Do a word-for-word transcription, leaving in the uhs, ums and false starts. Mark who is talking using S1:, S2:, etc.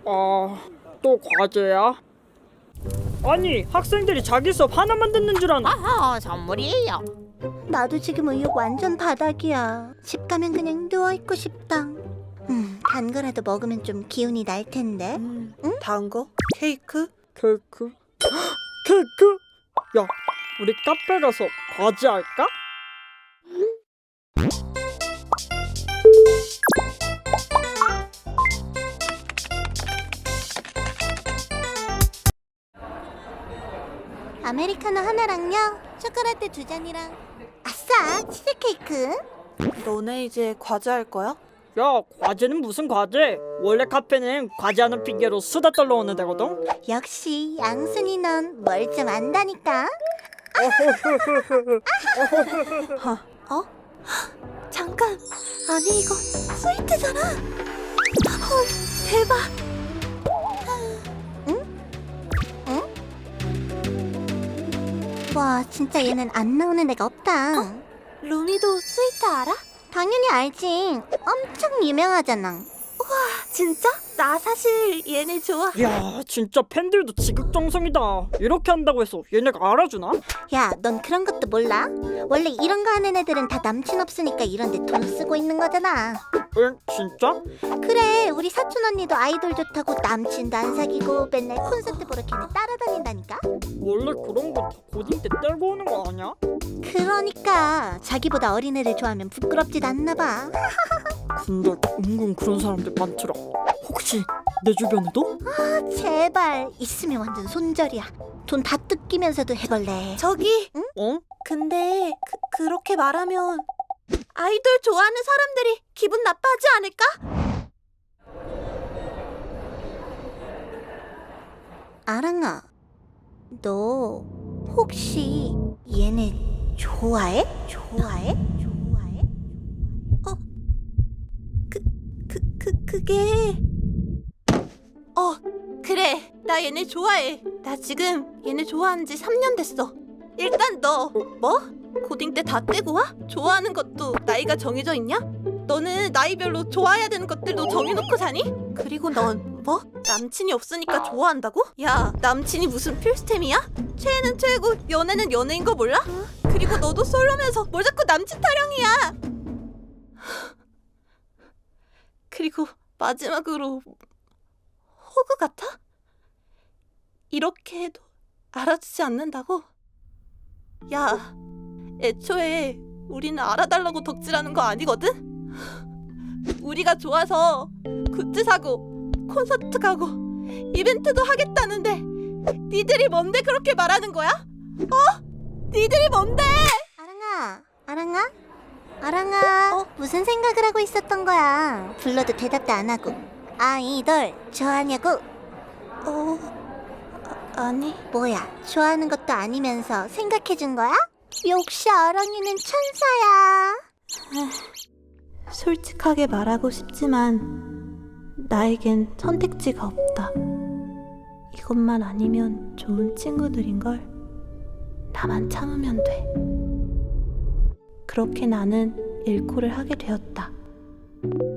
S1: 아, 또 과제야? 아니, 학생들이 자기 수업 하나만 듣는 줄 아나?
S2: 아하, 선물이에요.
S3: 나도 지금 의욕 완전 바닥이야. 집 가면 그냥 누워있고 싶다. 음, 단 거라도 먹으면 좀 기운이 날 텐데.
S4: 음, 다음 거? 케이크?
S1: 케이크? 케이크? 야, 우리 카페 가서 과제 할까?
S3: 아메리카노 하나랑요, 초콜릿 두 잔이랑. 아싸, 치즈케이크.
S4: 너네 이제 과제 할 거야?
S1: 야, 과제는 무슨 과제? 원래 카페는 과제하는 핑계로 수다 떨러 오는 데거든?
S3: 역시 양순이 넌 뭘 좀 안다니까. 어? 잠깐, 아니 이거 스위트잖아. 헐, 대박. 응? 응? 와, 진짜 얘는 안 나오는 애가 없다. 루미도 스위트 알아? 당연히 알지. 엄청 유명하잖아. 진짜? 나 사실 얘네 좋아.
S1: 야, 진짜 팬들도 지극정성이다. 이렇게 한다고 해서 얘네가 알아주나?
S3: 야, 넌 그런 것도 몰라? 원래 이런 거 하는 애들은 다 남친 없으니까 이런 데 돈 쓰고 있는 거잖아.
S1: 응, 진짜?
S3: 그래, 우리 사촌 언니도 아이돌 좋다고 남친도 안 사귀고 맨날 콘서트 보러 걔네 따라다닌다니까?
S1: 원래 그런 건 다 고딩 때 떼고 오는 거 아니야?
S3: 그러니까 자기보다 어린 애를 좋아하면 부끄럽지도 않나 봐.
S1: 근데 은근 그런 사람들 많더라. 혹시 내 주변에도?
S3: 제발 있으면 완전 손절이야. 돈 다 뜯기면서도 해볼래.
S4: 저기,
S1: 어?
S4: 근데 그, 그렇게 말하면 아이돌 좋아하는 사람들이 기분 나빠하지 않을까?
S3: 아랑아, 너 혹시 얘네 좋아해? 좋아해? 좋아해?
S4: 어, 그, 그, 그, 그게... 어, 그래. 나 얘네 좋아해. 나 지금 얘네 좋아한 지 삼 년 됐어. 일단 너, 뭐? 고딩 때 다 떼고 와? 좋아하는 것도 나이가 정해져 있냐? 너는 나이별로 좋아해야 되는 것들도 정해놓고 사니? 그리고 넌 뭐? 남친이 없으니까 좋아한다고? 야, 남친이 무슨 필수템이야? 최애는 최애고 연애는 연애인 거 몰라? 그리고 너도 솔로면서 뭘 자꾸 남친 타령이야? 그리고 마지막으로 호구 같아? 이렇게 해도 알아주지 않는다고? 야, 애초에 우리는 알아달라고 덕질하는 거 아니거든? 우리가 좋아서 굿즈 사고 콘서트 가고 이벤트도 하겠다는데 니들이 뭔데 그렇게 말하는 거야? 어? 니들이 뭔데?
S3: 아랑아, 아랑아? 아랑아,
S4: 어?
S3: 무슨 생각을 하고 있었던 거야? 불러도 대답도 안 하고. 아이돌 좋아하냐고?
S4: 어... 아, 아니...
S3: 뭐야, 좋아하는 것도 아니면서 생각해준 거야? 역시 아랑이는 천사야.
S4: 솔직하게 말하고 싶지만 나에겐 선택지가 없다. 이것만 아니면 좋은 친구들인걸. 나만 참으면 돼. 그렇게 나는 일코를 하게 되었다.